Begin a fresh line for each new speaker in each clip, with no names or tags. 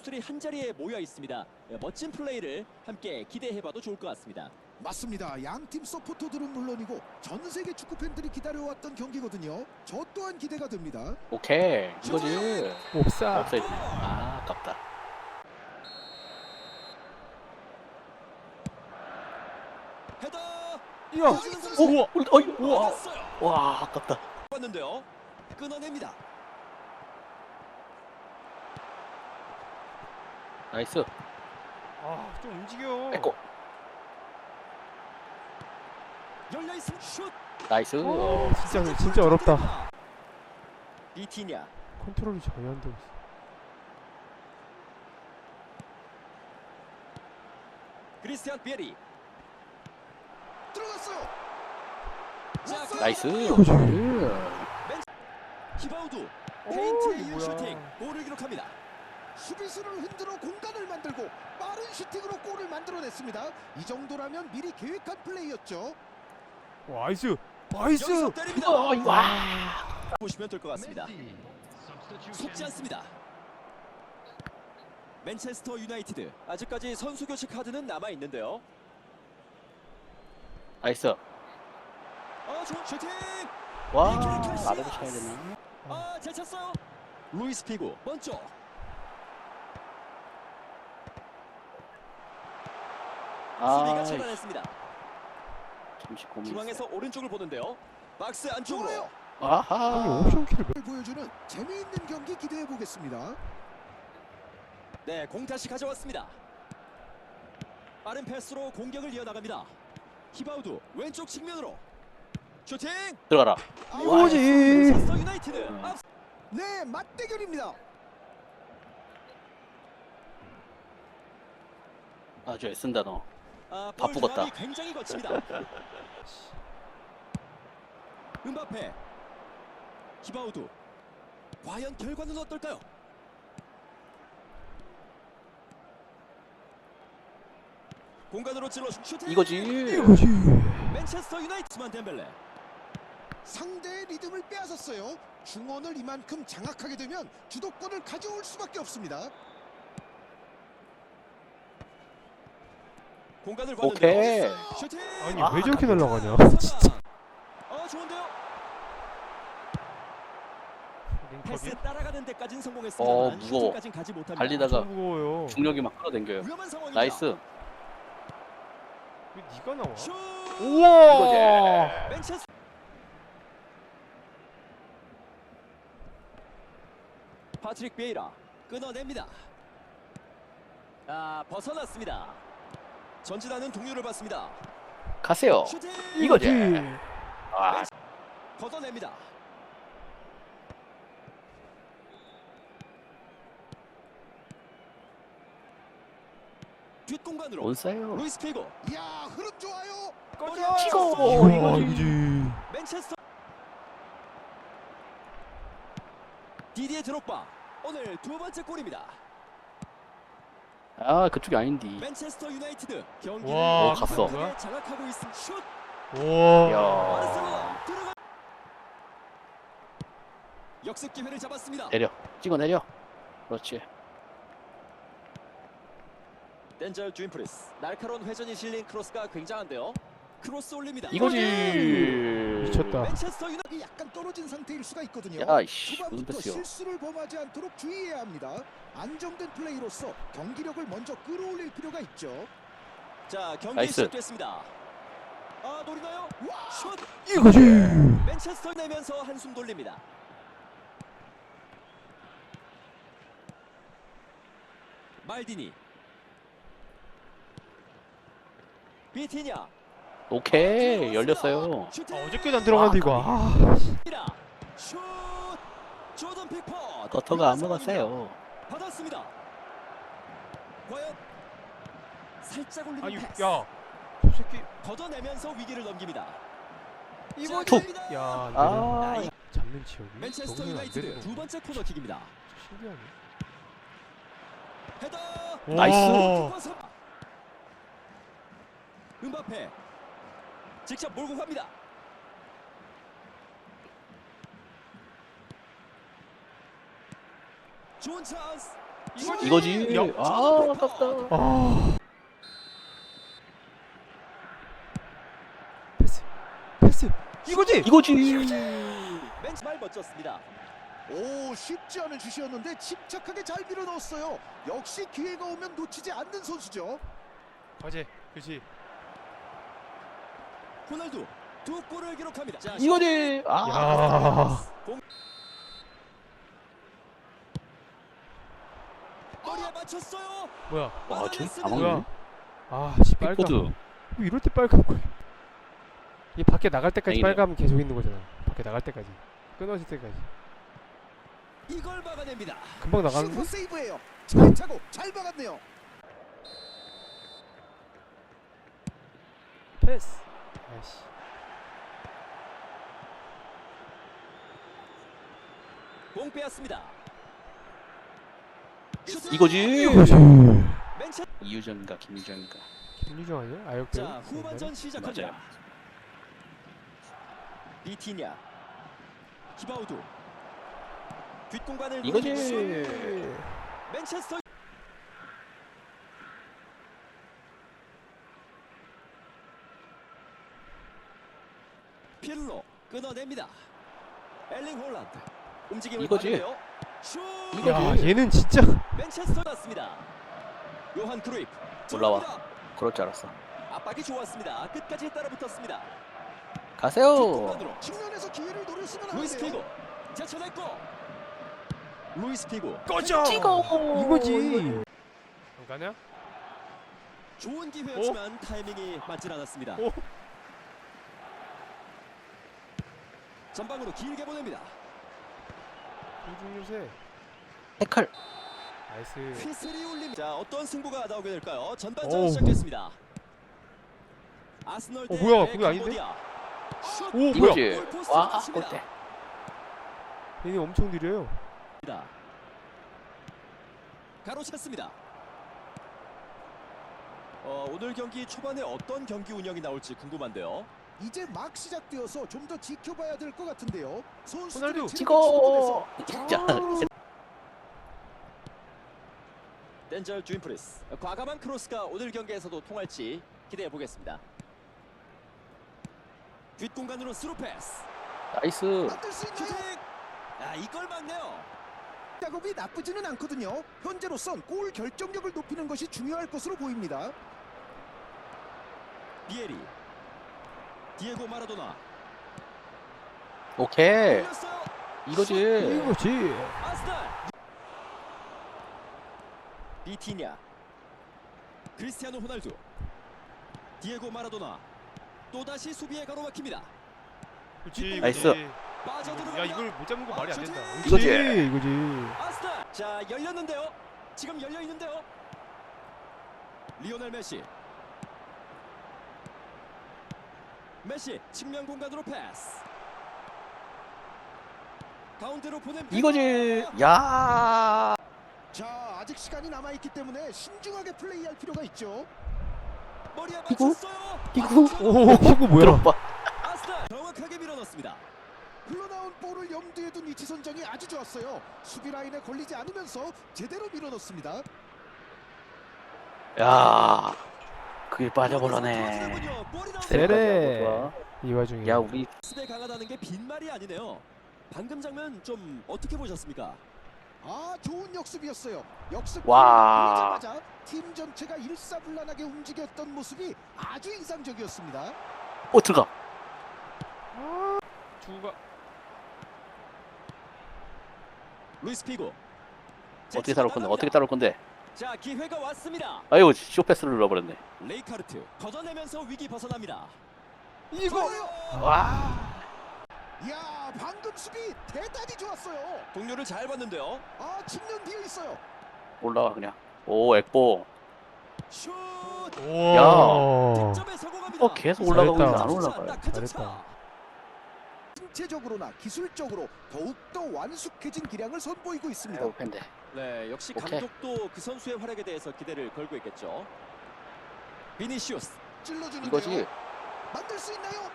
선수들이 한 자리에 모여 있습니다. 멋진 플레이를 함께 기대해봐도 좋을 것 같습니다.
맞습니다. 양팀 서포터들은 물론이고 전 세계 축구 팬들이 기다려왔던 경기거든요. 저 또한 기대가 됩니다.
오케이 이거지.
옵사.
없어야지. 아 아깝다.
헤더.
이야.
우와.
우와. 와 아깝다.
봤는데요. 끊어냅니다.
나이스.
아, 좀 움직여.
에코.
열려 있음 슛.
나이스.
진짜 어렵다.
비티냐.
컨트롤이 전혀 안 되고 있어.
크리스티안 비에리.
들어갔어요.
자,
나이스.
이거지.
히바우두. 페인트의
뭐야.
슈팅. 골을 기록합니다.
수비수를 흔들어 공간을 만들고 빠른 슈팅으로 골을 만들어냈습니다. 이 정도라면 미리 계획한 플레이였죠.
와, 나이스.
여기서 때립니다.
와.
보시면 될 것 같습니다. 속지 않습니다. 맨체스터 유나이티드 아직까지 선수 교체 카드는 남아 있는데요.
나이스.
좋은 슈팅.
와
이렇게 캐시아스.
나도 쳐야 되나?
잘 찼어요. 루이스 피고 먼저. 수비가
아
차단했습니다.
잠시 고민.
중앙에서 오른쪽을 보는데요. 박스 안쪽으로.
좋아요.
아니,
아하.
옵션 킬을
보여주는 재미있는 경기 기대해 보겠습니다.
네, 공 다시 가져왔습니다. 빠른 패스로 공격을 이어나갑니다. 히바우두 왼쪽 측면으로 슈팅.
들어가라.
이거지.
맨체스터 유나이티드 앞.
네, 맞대결입니다.
아주 애쓴다 너.
볼
바쁘겠다.
조합이 굉장히 거칩니다. 음바페. 히바우두. 과연 결과는 어떨까요? 공간으로 찔러 슈팅.
이거지.
맨체스터 유나이티드만 덴벨레.
상대의 리듬을 빼앗았어요. 중원을 이만큼 장악하게 되면 주도권을 가져올 수밖에 없습니다.
공간을
오케이.
봤는데요. 슈팅.
아니,
아,
왜 저렇게 날아가냐?
진짜. 좋은데요. 패스
링컵이
따라가는 데까지는 성공했습니다만
무거워.
슈팅까지는 가지 못합니다.
달리다가
무거워요.
중력이 막 끌어당겨요.
위험한 상황입니다.
나이스.
왜 네가 나와?
슛.
우와.
맨체스. 파트릭 베이라 끊어냅니다. 벗어났습니다. 전진하는 동료를 봤습니다.
가세요.
슈팅.
이거지. 아
걷어냅니다. 뒷공간으로
원싸요.
루이스 피고.
이야, 흐름 좋아요.
치고.
이야, 이거지.
맨체스터. 디디에 드록바 오늘 두 번째 골입니다.
아 그쪽이 아닌디.
맨체스터 유나이티드 경기를
와,
갔어.
강하게 장악하고 있습니다. 슛.
우와.
바르셀로나 들어가. 역습 기회를 잡았습니다.
내려. 찍어 내려. 그렇지.
덴젤 주인프리스 날카로운 회전이 실린 크로스가 굉장한데요. 크로스 올립니다.
이거지.
미쳤다.
맨체스터 유나이티드.
이 약간 떨어진 상태일 수가 있거든요.
야이씨 무슨
초반부터
패스요.
실수를 범하지 않도록 주의해야 합니다. 안정된 플레이로서 경기력을 먼저 끌어올릴 필요가 있죠.
자, 경기
나이스.
시작됐습니다. 노리나요? 슛.
이거지.
맨체스터 내면서 한숨 돌립니다. 말디니. 비티냐.
오케이 열렸어요.
슈팅!
어저께도 안 들어갔는데 이거.
슛! 조던 픽포드.
버터가 안 먹었어요.
받았습니다. 과연 살짝 올리는
아니,
패스.
야. 저 새끼.
걷어내면서 위기를 넘깁니다.
이거
자,
툭.
갑니다.
야, 안
아
되네. 잡는 지역이.
맨체스터
적응이 안
유나이티드
되는
두
거.
번째 코너킥입니다.
신기하네.
헤더.
나이스.
음바페 직접 몰고 갑니다. 좋은 찬스.
이거지.
야.
아, 아깝다.
아. 패스. 이거지.
이거지.
멘치 말 멋졌습니다.
오, 쉽지 않은 슛이었는데 침착하게 잘 밀어 넣었어요. 역시 기회가 오면 놓치지 않는 선수죠.
과제. 그렇지.
호날두 두 골을 기록합니다. 자,
이거지. 아,
야.
공... 머리에 맞췄어요.
뭐야?
와, 쟤
막아냈습니다.
다
뭐야?
먹네.
아, 씨 빨간.
빅보드.
뭐 이럴 때 빨간 걸. 이 밖에 나갈 때까지
땡이네요.
빨가면 계속 있는 거잖아. 밖에 나갈 때까지. 끊어질 때까지.
이걸 막아냅니다.
금방 나가는데?
슈퍼 세이브예요. 잘 차고 잘 막았네요.
패스. 아이씨.
공 빼앗습니다. 슈팅!
이거지.
맨체...
이유정인가 김유정인가.
김유정 아니야? 아역배우?
자, 후반전 시작합니다. 비티냐, 히바우두, 뒷공간을
이거지.
노리고 맨체스터 필로 끊어냅니다. 엘링 홀란드 움직임을
이거지.
받는데요. 슛!
이거-
야, 얘는 진짜.
맨체스터 났습니다. 요한 크루이프
올라와.
들어갑니다.
그럴 줄 알았어.
압박이 좋았습니다. 끝까지 따라붙었습니다.
가세요.
뒷공간으로
측면에서 기회를 노렸으면
루이스
하는데요.
피고 제쳐냈고 루이스 피고
꺼져.
찍어.
이거지. 안 가냐?
좋은 기회였지만 타이밍이 맞질 않았습니다.
오.
전방으로 길게 보냅니다.
공중 요새.
태클.
나이스.
휘슬이 울립니다. 자, 어떤 승부가 나오게 될까요? 전반전
어우.
시작됐습니다. 아스널 대
뭐야, 그게 아닌데?
캄보디아. 슛!
오, 뭐야?
이거지.
골포스트
와,
맞춥니다.
골대.
얘네 엄청 느려요.
가로챘습니다. 오늘 경기 초반에 어떤 경기 운영이 나올지 궁금한데요.
이제 막 시작되어서 좀 더 지켜봐야 될 것 같은데요. 선수들의
호날두.
체력이
찍어.
충분해서
진짜.
덴젤 주인프리스. 과감한 크로스가 오늘 경기에서도 통할지 기대해 보겠습니다. 뒷공간으로 스루 패스.
나이스.
만들 수
슈팅!
있나요?
야, 이걸 막네요.
작업이 나쁘지는 않거든요. 현재로선 골 결정력을 높이는 것이 중요할 것으로 보입니다.
비에리. 디에고 마라도나.
오케이.
올렸어요.
이거지.
이거지.
아스날. 비티냐. 크리스티아노 호날두. 디에고 마라도나. 또다시 수비에 가로막힙니다.
그렇지.
나이스.
이거지.
빠져들어갑니다.
야, 이걸 못 잡는 거 말이 안 된다.
이거지.
이거지.
아스날. 자, 열렸는데요. 지금 열려 있는데요. 리오넬 메시. 메시 측면 공간으로 패스. 가운데로 보낸
이거지. 야.
자, 아직 시간이 남아있기 때문에 신중하게 플레이할 필요가 있죠.
머리에
이거?
맞췄어요.
이거?
오, 이거 뭐야?
들어봐.
아스날 정확하게 밀어넣습니다.
흘러나온 볼을 염두에 둔 위치 선정이 아주 좋았어요. 수비 라인에 걸리지 않으면서 제대로 밀어넣습니다.
야. 그게 빠져버려네.
볼이 나옵니다.
세레.
좋아.
이 와중에.
야, 우리
수비에 강하다는 게 빈말이 아니네요. 방금 장면 좀 어떻게 보셨습니까?
아, 좋은 역습이었어요. 역습
와.
보자마자 팀 전체가 일사불란하게 움직였던 모습이 아주 인상적이었습니다.
들어가.
주가.
루이스 피고.
어떻게 따라올 건데? 어떻게 따라올 건데?
자, 기회가 왔습니다.
아유, 쇼패스를 눌러버렸네.
레이카르트 걷어내면서 위기 벗어납니다.
이거.
좋아요.
와.
이야, 방금 수비 대단히 좋았어요.
동료를 잘 봤는데요.
아, 측면 비어 있어요.
올라가 그냥. 오, 액보.
슛!
오.
득점에 성공합니다.
계속 올라가고
잘했다.
있는데 안 올라가요.
딱한 점 차.
잘했다.
신체적으로나 기술적으로 더욱더 완숙해진 기량을 선보이고 있습니다.
아유, 팬데.
네, 역시
오케이.
감독도 그 선수의 활약에 대해서 기대를 걸고 있겠죠. 비니시우스
찔러주는데요.
이거지.
만들 수 있나요?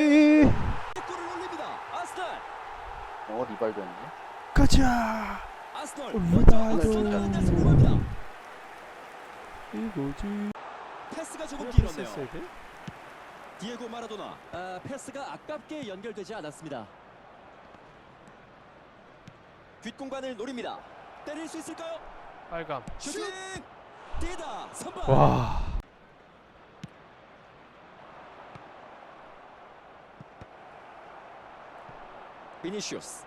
이거지.
골을 올립니다. 아스날.
리발도였네.
가자.
아스널
올라가죠.
먼저 끊는 데 성공합니다.
이거지.
패스가 조금
패스했어야
길었네요.
돼?
디에고 마라도나. 패스가 아깝게 연결되지 않았습니다. 뒷공간을 노립니다. 때릴 수 있을까요?
빨감.
슈팅! 뛰다 선방.
와.
비니시우스.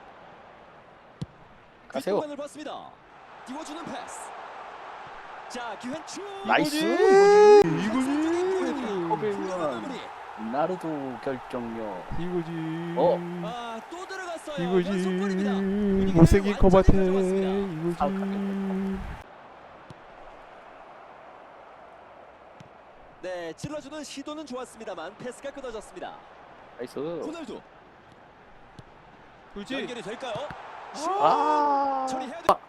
가세요.
뒷공간을 봤습니다. 띄워주는 패스. 자, 기회 슛.
나이스.
이거지.
허벨만 나르도 결정력.
이거지.
또 들어갔어요.
이거지.
연속골입니다.
못생긴
완전히
커버테.
가져왔습니다.
이거지.
네, 찔러주는 시도는 좋았습니다만 패스가 끊어졌습니다.
나이스.
호날두
그지.
연결이 될까요? 슛!
아.
처리해야 돼.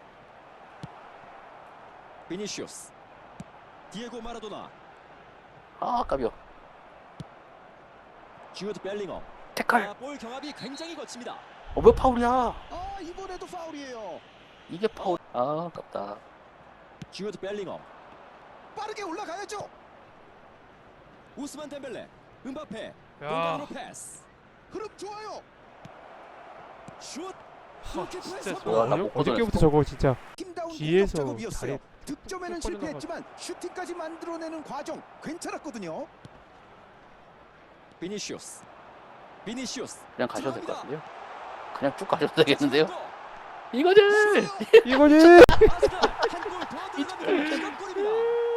비니시우스, 디에고 마라도나,
아, 깜이요.
주드 벨링엄.
태클.
볼 경합이 굉장히 거칩니다.
왜 파울이야?
아, 이번에도 파울이에요.
이게 파울. 아, 아깝다.
주드 벨링엄,
빠르게 올라가야죠.
우스만 덴벨레, 음바페,
야.
공간으로 패스.
흐름 좋아요.
슛!
진짜
성공!
와, 나
저거
못
어저께부터 저거 진짜
팀다운
뒤에서
공격 작업이었어요.
다리
득점에는
쭉
실패했지만 슈팅까지 만들어내는 과정 괜찮았거든요.
비니시우스, 비니시우스.
그냥 가셔도 될 것
들어갑니다.
같은데요? 그냥 쭉 가셔도 되겠는데요?
슛!
이거지!
이거지.
아스널 한골더 들어갑니다. 이건 골입니다.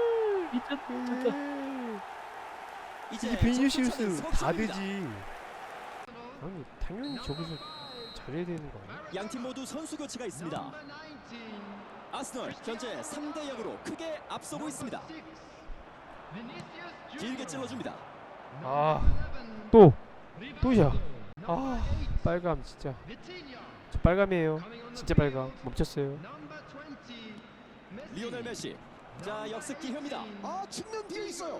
이제
이게 비니시우스
점수차는
다
석점입니다.
되지. 아니 당연히 저기서 잘해야 되는 거 아니야?
양팀 모두 선수 교체가 있습니다. 아스널 현재 3대 0으로 크게 앞서고 있습니다. 길게 찔러줍니다.
또야. 빨감 진짜. 저 빨감이에요. 진짜 빨감. 멈췄어요.
리오넬 메시. 자, 역습 기회입니다.
아, 측면 뒤에 있어요.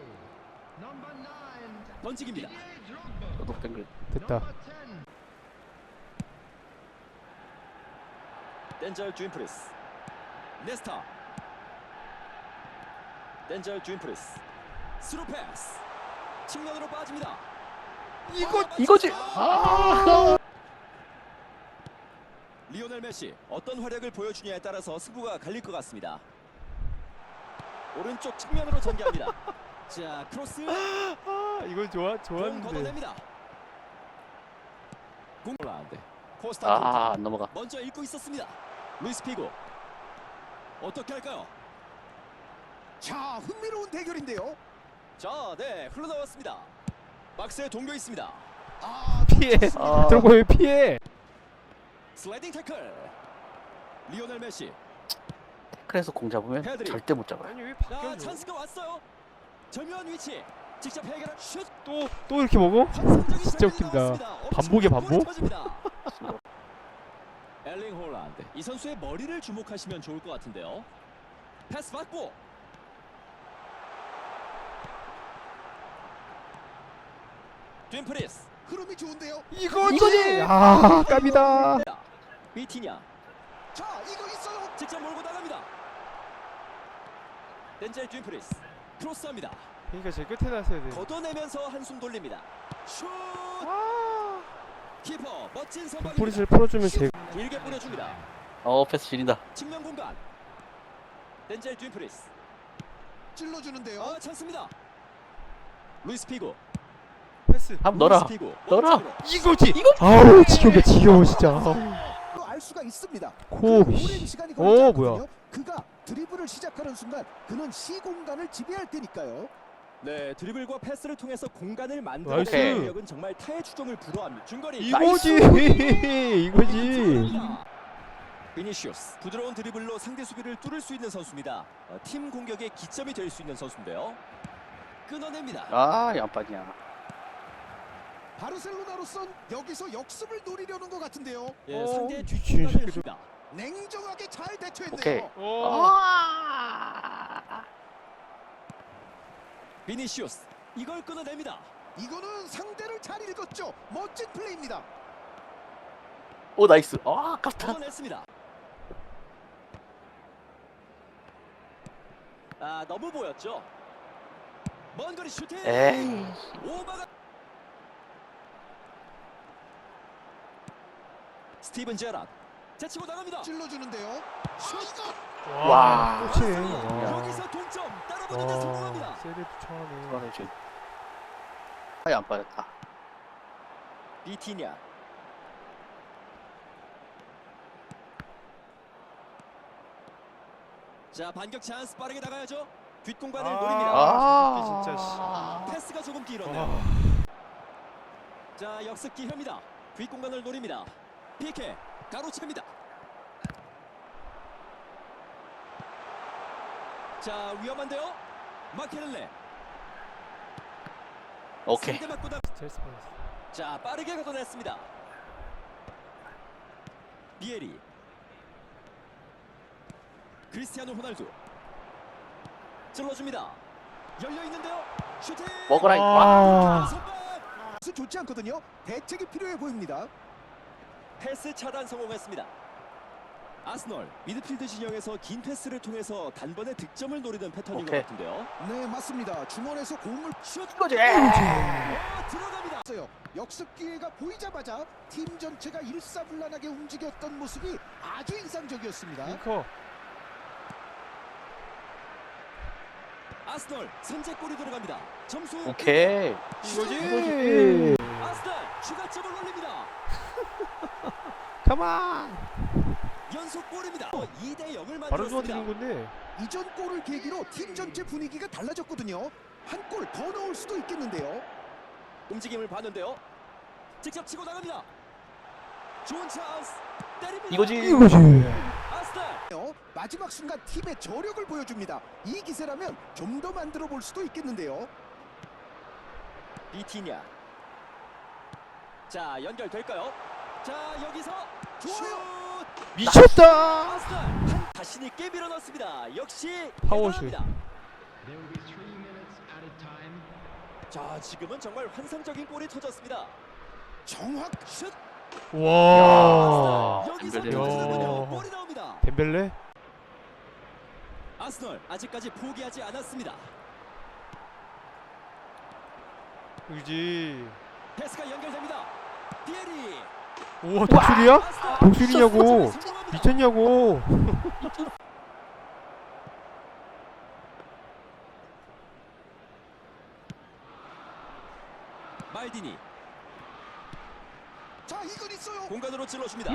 던지기입니다.
저도 뱅글.
됐다.
덴젤 주인프리스. 네스타. 덴젤 주인프리스. 스루 패스. 측면으로 빠집니다.
이거지! 아!
리오넬 메시 어떤 활약을 보여주냐에 따라서 승부가 갈릴 것 같습니다. 오른쪽 측면으로 전개합니다. 자, 크로스.
이건
공
좋았는데.
걷어냅니다. 공 라운드. 코스타
아, 안 넘어가.
먼저 읽고 있었습니다. 루이스 피고. 어떻게 할까요?
자, 흥미로운 대결인데요.
자, 네, 흘러나왔습니다. 박스에 동겨 있습니다.
아,
피해.
아.
들고 왜 피해?
슬라이딩 태클. 리오넬 메시.
태클에서 공 잡으면
헤드리.
절대 못 잡아요.
아니 왜
자,
바뀌었냐?
찬스가 왔어요. 절묘한 위치. 직접 해결한 슛.
또 이렇게 먹어?
환상적인
진짜
장면이
웃긴다.
나왔습니다.
반복이야,
엄청난 골이
반복?
터집니다. 엘링 홀란드. 이 선수의 머리를 주목하시면 좋을 것 같은데요. 패스 받고. 뒷프리스.
흐름이 좋은데요.
이거지. 아, 깝이다.
비티냐.
자, 이거 있어요.
직접 몰고 나갑니다. 덴젤 뒷프리스. 크로스합니다.
그러니까 제일 끝에 놨어야 돼.
걷어내면서 한숨 돌립니다. 슛! 키퍼 멋진 선방입니다.
포리스를 풀어주면 제.
길게 뿌려줍니다.
패스 지린다.
측면 공간. 덴젤 뒷프리스.
찔러주는데요.
찬스입니다. 루이스 피고.
패스.
한번 넣어라.
루이스 피고.
넣어라.
이거지. 아우 지겨워 진짜.
알 수가 있습니다.
코.
오랜 시간이 걸리지 않거든요.
뭐야?
그가 드리블을 시작하는 순간 그는 시 공간을 지배할 테니까요.
네, 드리블과 패스를 통해서 공간을
나이스.
만들어내는 능력은 정말 타의 추종을 불허합니다. 중거리.
이거지. 이거지.
비니시우스. 부드러운 드리블로 상대 수비를 뚫을 수 있는 선수입니다. 팀 공격의 기점이 될 수 있는 선수인데요. 끊어냅니다.
아, 양반이야.
바르셀로나로선 여기서 역습을 노리려는 것 같은데요.
예, 상대의
미친
뒷공간을
새끼들.
줍니다.
냉정하게 잘 대처했네요.
오케이.
비니시우스. 이걸 끊어냅니다.
이거는 상대를 잘 읽었죠. 멋진 플레이입니다.
오, 나이스. 아, 아깝다.
걷어냈습니다. 아, 너무 보였죠. 먼 거리 슈팅.
에이.
오바가. 스티븐 제란 제치고 나갑니다.
찔러주는데요. 슛!
와.
또 치네. 와.
여기서 동점 따라붙는 데
와,
성공합니다.
세레도 차네.
이거는 지금 아예 안 빠졌다.
비티냐. 자, 반격 찬스 빠르게 나가야죠. 뒷공간을 노립니다.
아, 진짜,
패스가 조금 길었네요.
와.
자, 역습 기회입니다. 뒷공간을 노립니다. 피케 가로챕니다. 자, 위험한데요. 마케렐레.
오케이.
상대 맞고 나.
스트레스 받았어.
자, 빠르게 걷어냈습니다. 비에리. 크리스티아노 호날두. 찔러줍니다. 열려 있는데요. 슈팅.
먹어라.
아.
선방.
수 좋지 않거든요. 대책이 필요해 보입니다.
패스 차단 성공했습니다. 아스널 미드필드 진영에서 긴 패스를 통해서 단번에 득점을 노리는 패턴인
오케이.
것 같은데요.
네, 맞습니다. 중원에서 공을
슛.
이거지.
들어갑니다.
쳤어요. 역습 기회가 보이자마자 팀 전체가 일사불란하게 움직였던 모습이 아주 인상적이었습니다.
링커.
아스널 선제골이 들어갑니다. 점수
오케이.
이거지.
아스널 추가점을 올립니다.
가만.
연속골입니다. 2대 0을
바로
만들었습니다.
좋아지는 건데.
이전 골을 계기로 팀 전체 분위기가 달라졌거든요. 한 골 더 넣을 수도 있겠는데요.
움직임을 봤는데요. 직접 치고 나갑니다. 좋은 찬스. 때립니다.
이거지.
아스널.
마지막 순간 팀의 저력을 보여줍니다. 이 기세라면 좀 더 만들어 볼 수도 있겠는데요.
비티냐. 자, 연결될까요? 자, 여기서
좋아요.
슛.
미쳤다.
아스널 한 자신이 꽤 밀어넣습니다. 역시
파워슛.
대단합니다. 자, 지금은 정말 환상적인 골이 터졌습니다.
정확
슛.
와.
여기서
덴벨레.
터지는군요.
야.
골이 나옵니다.
덴벨레?
아스널 아직까지 포기하지 않았습니다.
그지.
패스가 연결됩니다. 비에리.
우와, 독수리야?
아스널
독수리냐고.
성공합니다.
미쳤냐고.
말디니
자, 이건 있어요.
공간으로 찔러줍니다.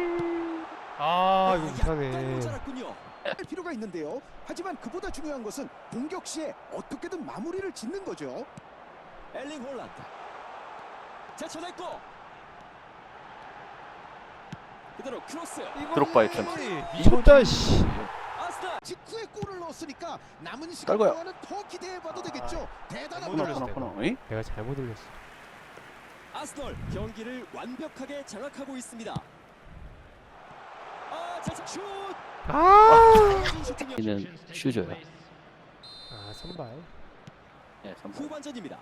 아, 이거
약간
못하네.
모자랐군요.
할 필요가 있는데요. 하지만 그보다 중요한 것은 공격 시에 어떻게든 마무리를 짓는 거죠.
엘링 홀란드 제쳐냈고 그대로 크로스.
드록바의 편.
미쳤다, 씨.
아스널
직후에 골을 넣었으니까 남은 시간
떨궈요.
동안은 더 기대해봐도 되겠죠.
못
대단합니다.
올렸어.
코너. 응?
내가 잘못 올렸어.
아스널 경기를 완벽하게 장악하고 있습니다. 아, 제차 슛.
아.
슈팅이요.
이는 슈저요.
아, 선발.
예, 선발.
후반전입니다.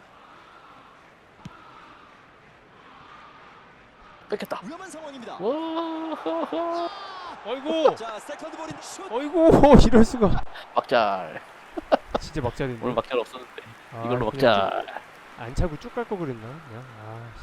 뺏겼다.
위험한 상황입니다.
와.
어이구.
자, 세컨드 볼인 슛.
어이구. 이럴 수가.
막잘.
진짜 막자리네.
오늘 막잘 없었는데
아,
이걸로
그냥
막잘.
안 차고 쭉 갈 거 그랬나? 그냥. 아, 씨.